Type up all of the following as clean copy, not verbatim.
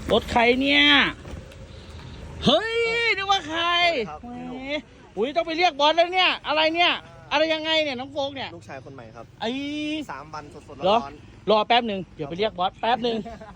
รถใครเนี่ยเฮ้ยนึกว่าใครอุ้ยต้องไปเรียกบอสแล้วเนี่ยอะไรเนี่ยอะไรยังไงเนี่ยน้องโฟกเนี่ยลูกชายคนใหม่ครับไอ้ 3 วันสดๆร้อร้อนรอแป๊บหนึ่งเดี๋ยวไปเรียกบอสแป๊บหนึ่ง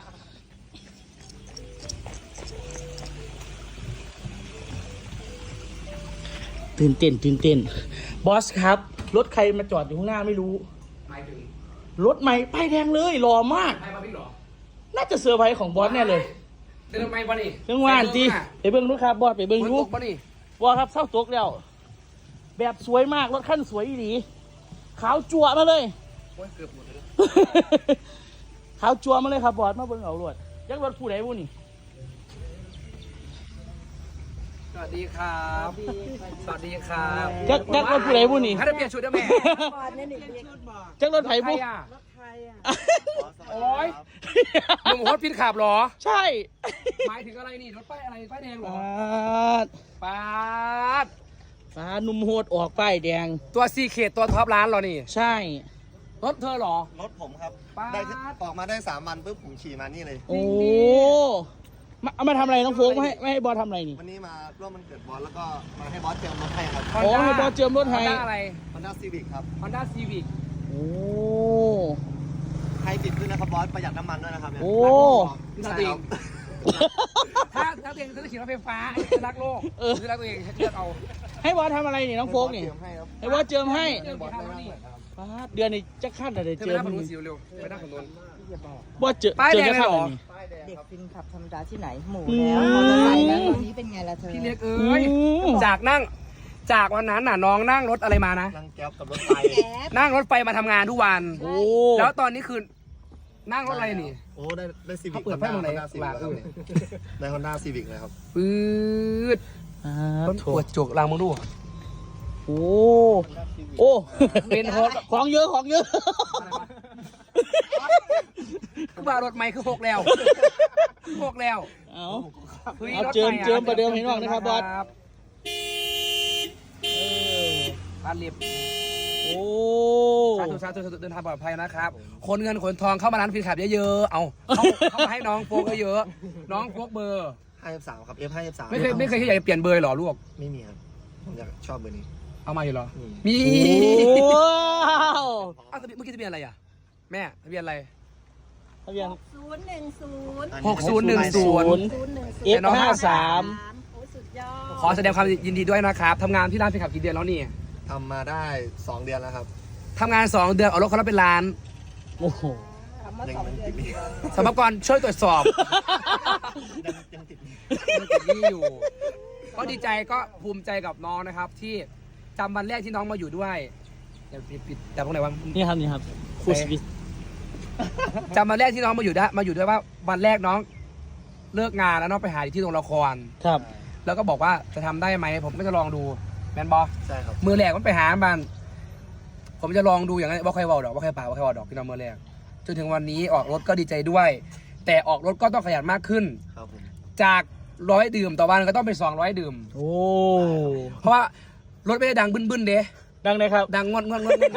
ตื่นเต้นบอสครับรถใครมาจอดอยู่ข้างหน้าไม่รู้รถใหม่ป้ายแดงเลยหล่อมากน่าจะเซอร์ไพรส์ของบอสแน่เลยเดินไปบ่นี่เรื่องว่านจีไปเบิ้งดูครับบอสไปเบิ้งดูบ่นี่บอสครับเศร้าตกแล้วแบบสวยมากรถขั้นสวยดีขาวจั่วมาเลยโอ้ยเกือบหมดเลยขาวจั่วมาเลยครับบอสมาเบิ้งเอารถยักษ์รถผู้ใดผู้นี่สวัสดีครับสวัสดีครับยักษ์รถผู้ใดผู้นี่ให้ได้เปลี่ยนชุดได้ไหมยักษ์รถไถใครผู้อ่ะๆโอ้ยหนุ่มโฮสต์พินขับเหรอใช่หมายถึงอะไรนี่รถป้ายอะไรป้ายแดงเหรอดป้าดฟ้านุ่มโหดออกป้ายแดงตัวซีเคทตัวท็อปร้านเหรอนี่ใช่รถเธอเหรอรถผมครับป๊าดได้ออกมาได้3 วันปุ๊บผมขี่มานี่เลยโอ้เอามาทำอะไรน้องโฟกไม่ให้บอสทำอะไรนี่วันนี้มาร่วมวันเกิดบอสแล้วก็มาให้บอสเจิมรถให้ครับอ๋อให้บอสเจิมรถให้ Honda อะไร Honda Civic ครับ Honda Civic โอ้ไฮบริดด้วยนะครับบอสประหยัดน้ำมันด้วยนะครับเนี่ยโอ้ใช่ครับถ้าตัวเองจะขี่รถไฟฟ้าจะรักโลกจะรักตัวเองเลือกเอาให้บอสทำอะไรนี่น้องโฟกนี่เจิมให้ครับให้บอสเจิมให้เลือกกี่คันแล้วนี่ป๊าดเดือนนี้จะขั้นอะไรเธอเจิไปมนั่งคนนู้นสิเร็วไปนั่งคนนู้นบอสเจอป้ายเจอแดงจะขั้นเลยเหรอะไรอนี่ป้ายแดงเด็กครับฟินขับธรรมดาที่ไหนหมูอืมแล้วมอเตอร์ไซค์แล้วตอนนี้เป็นไงล่ะเธอพี่เล็กเอ้ยจากวันนั้นน่ะน้องนั่งรถอะไรมานะนั่งแก๊ปกับรถไฟแก๊ปนั่งรถไฟมาทำงานทุกวันโอ้แล้วตอนนี้คือนั่งรถอะไรนี่โอ้ได้ซีวิเขากเปิดไฟตรงไหน Honda Civic แล้วครับได้ Honda Civic เลยครับปื๊ดอ่าต้นโถปวดจุกลางมึงดูโอ้โอ้เป็นโฮสต์ของเยอะของเยอะคือว่ารถไม่คือพกแล้วพกแล้วเอาฮ้ยเอารถเจิมใหอะเจิมประเดิมให้น้องนะครับบอสบ้านเรียบโอ้สาธุเดินทางปลอดภัยนะครับคนเงินขนทองเข้ามาร้านฟินขับเยอะๆเอาเข้ามาให้น้องโฟกเยอะๆน้องโฟกเบอร์ 53 ครับ F53 ไม่เคยคิดอยากจะเปลี่ยนเบอร์หรอลูกไม่มีครับผมอยากชอบเบอร์นี้เอามาอยู่เหรอมีมีว้าวอ้าวเมื่อกี้ทะเบียนอะไรอ่ะแม่ทะเบียนอะไรทะเบียน 010 6010 F53 โอ้สุดยอดขอแสดงความยินดีด้วยนะครับทำงานที่ร้านฟินขับกี่เดือนแล้วนี่ทำมาได้2 เดือนแล้วครับทำงาน2 เดือนเอารถเขาแล้วเป็นล้านโอ้โหคำว่ายัง 2 เดือนติดหนี้สมภากรช่วยตรวจสอบยังติดหนี้ยังติดหนี้อยู่ ก็ดีใจก็ภูมิใจกับน้องนะครับ ที่จำวันแรกที่น้องมาอยู่ด้วยอย่าปิดแต่ตรงไหนวะนี่ครับคูสวิสจำวันแรกที่น้องมาอยู่ด้วยว่าวันแรกน้องเลิกงานแล้วน้องไปหาที่โรงละครครับแล้วก็บอกว่าจะทำได้ไหมผมก็จะลองดูแมนบอใช่ครับมือแรกมันไปหาบ้านผมจะลองดูอย่างนั้นว่าใครว่าดอกว่าใครป่าว่าใครว่าดอกพี่น้องมือแรกจนถึงวันนี้ออกรถก็ดีใจด้วย แต่ออกรถก็ต้องขยันมากขึ้นครับผมจาก100 ดื่มต่อวันก็ต้องเป็น200 ดื่มโอ้เพราะว่ารถไม่ได้ดังบึ้นๆเด้ดังเลยครับดังงวด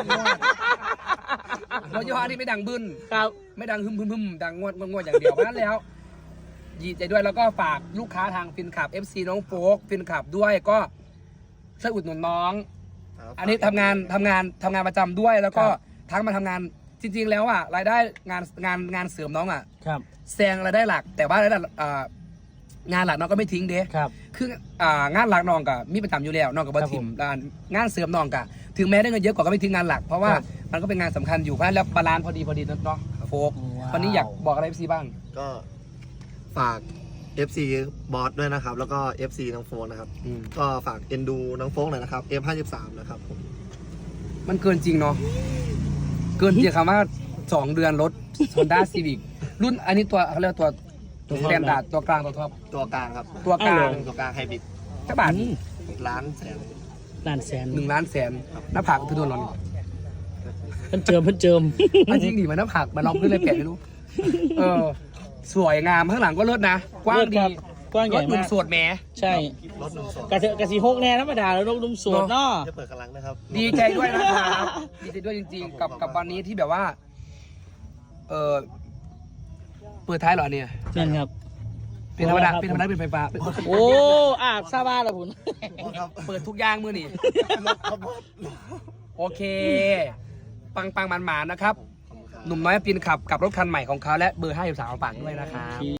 รถยี่ห้อนี้ไม่ดังบึ้นครับไม่ดังฮึมดังงวดอย่างเดียวเพราะฉะนั้นแล้วดีใจด้วยแล้วก็ฝากลูกค้าทางฟินขับ FC น้องโฟกฟินขับด้วยก็ช่วยอุดหนุนน้องครับอันนี้ทำงานประจำด้วยแล้วก็ทั้งมาทำงานจริงๆแล้วอ่ะรายได้งานเสริมน้องอ่ะครับแซงรายได้หลัก แต่ว่ารายได้งานหลักน้องก็ไม่ทิ้งเด้ครับคืองานหลักน้องกับมีประจำอยู่แล้วน้องกับบัทิมงานเสริมน้องกับถึงแม้ได้เงินเยอะกว่าก็ไม่ทิ้งงานหลัก เพราะว่ามันก็เป็นงานสำคัญอยู่เพราะฉะนั้นแล้วบาลานซ์พอดีเนาะโฟกวันนี้อยากบอกอะไรพี่บ้างก็ฝาก FC บอสด้วยนะครับ แล้วก็ FC น้องโฟนนะครับ ก็ฝากเอ็นดูน้องโฟกหน่อยนะครับ F53 นะครับผมมันเกินจริงเนาะเกินจริงคำว่า2 เดือนรถ Honda Civic รุ่นอันนี้ตัวเขาเรียกตัวสแตนดาร์ดตัวกลางตัวท็อปตัวกลางครับตัวกลางตัวกลางไฮบริดสักบาทล้านแสนล้านแสน 1 ล้านแสนหน้าผากคือโดนหรอเพิ่นเจิมมันจริงดิมันหน้าผากมันลองขึ้นเลยแปะไม่รู้สวยงามข้างหลังก็เลิศนะกว้างดีกว้างใหรญ่ถหนุ่มาม กโสดแหมใช่รถหนุ่มโสดกะสีหกแน่ธรรมดาแล้วนกนุ่มโสดเนาะจะเปิดกำลังนะครับดีใจด้วยนะครับดีใจด้วยจริงๆ กับวันนี้ที่แบบว่าเปิดท้ายเหรอเนี่ยนั่นครับเป็นธรรมดาเป็นไฟฟ้าโอ้ซาบ้าละคุณครับเปิดทุกอย่างมือนี่โอเค ปังมันๆนะครับ หนุ่มน้อยปีนขับกับรถคันใหม่ของเขาและเบอร์53มาฝากด้วยนะครับ